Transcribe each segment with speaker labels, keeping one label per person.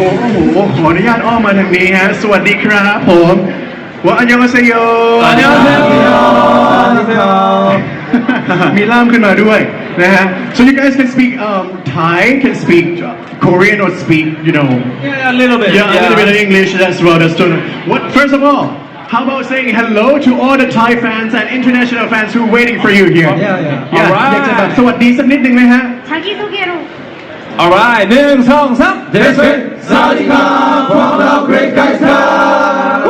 Speaker 1: ขออนุญาตอ้อมมาทางนี้ฮะสวัสดีครับผมว่าอันยองอาเซโยมีล่ามขึ้นมาด้วยนะฮะ so you guys can speak Thai can speak Korean or speak you know
Speaker 2: Yeah, a little bit.
Speaker 1: a little bit of English as well that's true what first of all how about saying hello to all the Thai fans and international fans who are waiting for you here
Speaker 2: Yeah.
Speaker 1: Alright อยากจะแบบสวัสดีสักนิดนึงไหมฮะ
Speaker 3: 자기소개로
Speaker 2: Alright, 1, 2, 3. This is Sawadika from the Great Guys Club.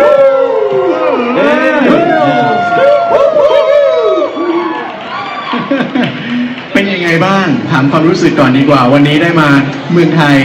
Speaker 1: เป็นยังไงบ้างถามความรู้สึกก่อนดีกว่าวันนี้ได้มาเมืองไทย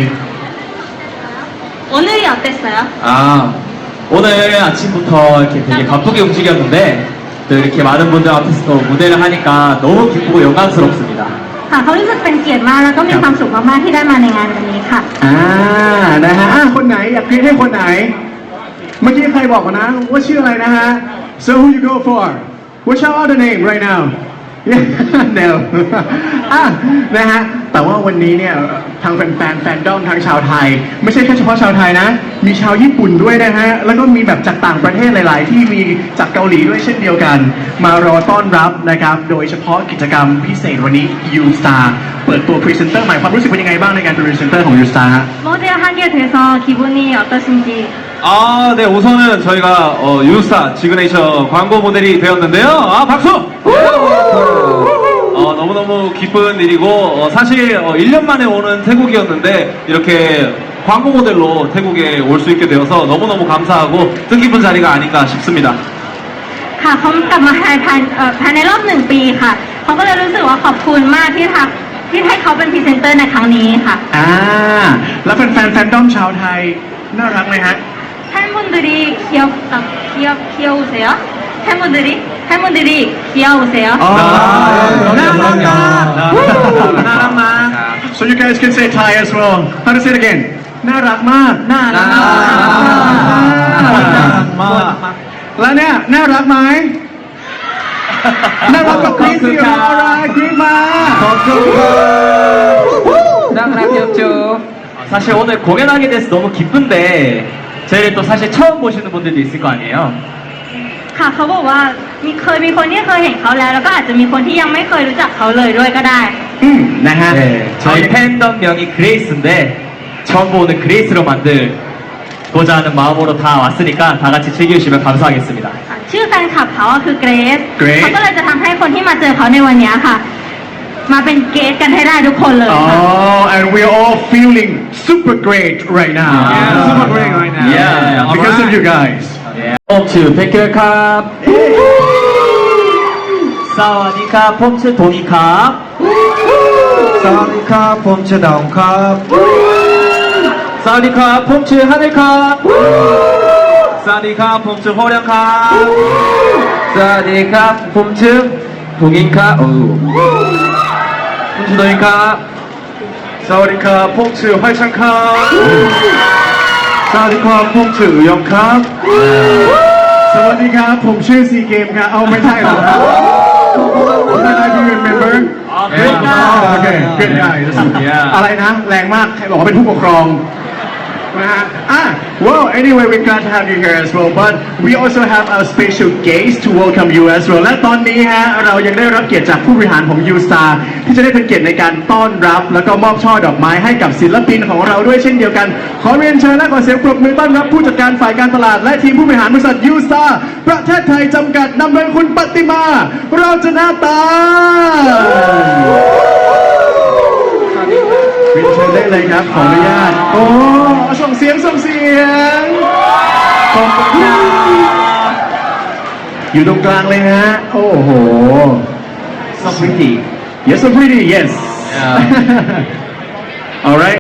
Speaker 3: 오늘이 어땠어요?
Speaker 2: 아, 오늘 아침부터 이렇게 되게 바쁘게 움직였는데 또 이렇게 많은 분들 앞에서 또 무대를 하니까 너무 기쁘고 영광스럽습니다.
Speaker 3: ค่ะเขารู้สึกเป็นเกียรติมากแล้วก็มีความสุขมากๆที่ได้มาในงานวันนี้ค่ะ
Speaker 1: นะฮะคนไหนอยากกรี๊ดให้คนไหน เมื่อกี้ใครบอกมานะว่าชื่ออะไรนะฮะ so who you go for what's your other name right now no นะฮะแต่ว่าวันนี้เนี่ยทางแฟนดอมทางชาวไทยไม่ใช่แค่เฉพาะชาวไทยนะมีชาวญี่ปุ่นด้วยนะฮะแล้วก็มีแบบจากต่างประเทศหลาย ๆ ที่มีจากเกาหลีด้วยเช่นเดียวกันมารอต้อนรับนะครับโดยเฉพาะกิจกรรมพิเศษวันนี้ U Star เปิดตัวพรีเซนเตอร์ใหม่ความรู้สึกเป็นยังไงบ้างในการเป็นพรีเซนเตอร์ของ U Star ฮะ
Speaker 3: 모델 하게 돼서 기분이 어떠신지
Speaker 2: 아, 네, 우선은 저희가 유스타 지그네이처 광고 모델이 되었는데요. 아, 박수! 너무너무 기쁜 일이고 사실 1년 만에 오는 태국이었는데 이렇게 광고 모델로 태국에 올 수 있게 되어서 너무너무 감사하고 뜻깊은 자리가 아닌가 싶습니다.
Speaker 3: ค่ะเขากลับมาภายในรอบ1 ปีค่ะเขาก็เลยรู้สึกว่าขอบคุณมากที่ให้เขาเป็นพรีเซนเตอร์ในครั้งนี้ค่ะ
Speaker 1: แล้วแฟนดอมชาวไทยน่ารักไหมฮะ
Speaker 3: 팬분들이 귀여우세요? 팬분들이 귀여우세요?
Speaker 1: So you guys can say Thai as well. How to say it again? น่ารักมากแล้วเนี่ยน่ารักไหมน่ารักกับกรี๊ดสิอะไรกรี๊ดมา
Speaker 2: 사실 오늘 공연하게 돼서 너무 기쁜데 저희를 또 사실 처음 보시는 분들도 있을 거 아니에요.
Speaker 3: ค่ะเขาบอกว่ามีคนที่เคยเห็นเขาแล้วก็อาจจะมีคนที่ยังไม่เคยรู้จักเขาเลยด้วยก็ได้
Speaker 1: นะฮะ
Speaker 2: 네, 저희 팬덤명이 그레이스인데 처음 보는 그레이스로 만들고자 하는 마음으로 다 왔으니까 다 같이 즐겨주시면 감사하겠습니다.
Speaker 3: ชื่อแฟนคลับเขาคือเกรซเขาก็เลยจะทำให้คนที่มาเจอเขาในวันนี้ค่ะมาเป็นเกสกันให้ได้ทุกคนเลยค่ะ
Speaker 1: Oh and we're all feeling super great right now
Speaker 2: super great right now.
Speaker 1: Yeah because of you guys
Speaker 2: 폼츠 백혈캅 사와디캅 폼츠 동이캅
Speaker 4: 사와디캅 폼츠 다운캅
Speaker 2: 사와디캅 폼츠 하늘캅 사와디캅 폼츠 호령캅 사와디캅 폼츠 동인캅 폼츠 동인캅
Speaker 1: 사와디카 퐁츠 활창카
Speaker 4: 사와디캅 폼츠 의영캅
Speaker 1: สวัสดีครับผมชื่อซีเกมครับเอาไม่ใช่หรอครับ Do you remember
Speaker 2: good
Speaker 1: Okay good guys อะไรนะแรงมากใครบอกว่าเป็นผู้ปกครองนะฮะwell anyway we're glad to have you here as well but we also have a special guest to welcome you as well และตอนนี้ฮะเรายังได้รับเกียรติจากผู้บริหารของ U Star ที่จะได้เป็นเกียรติในการต้อนรับแล้วก็มอบช่อดอกไม้ให้กับศิลปินของเราด้วยเช่นเดียวกันขอเรียนเชิญและขอเสียงปรบมือต้อนรับผู้จัดการฝ่ายการตลาดและทีมผู้บริหารบริษัท U Star ประเทศไทยจำกัดนำโดยคุณปฏิมาเราชนะตาเรียนเชิญได้เลยครับขออนุญาตโอ้ส่งเสียงขอบคุณครับอยู่ตรงกลางเลยฮะโอ้โห
Speaker 2: so pretty
Speaker 1: yes so pretty yes alright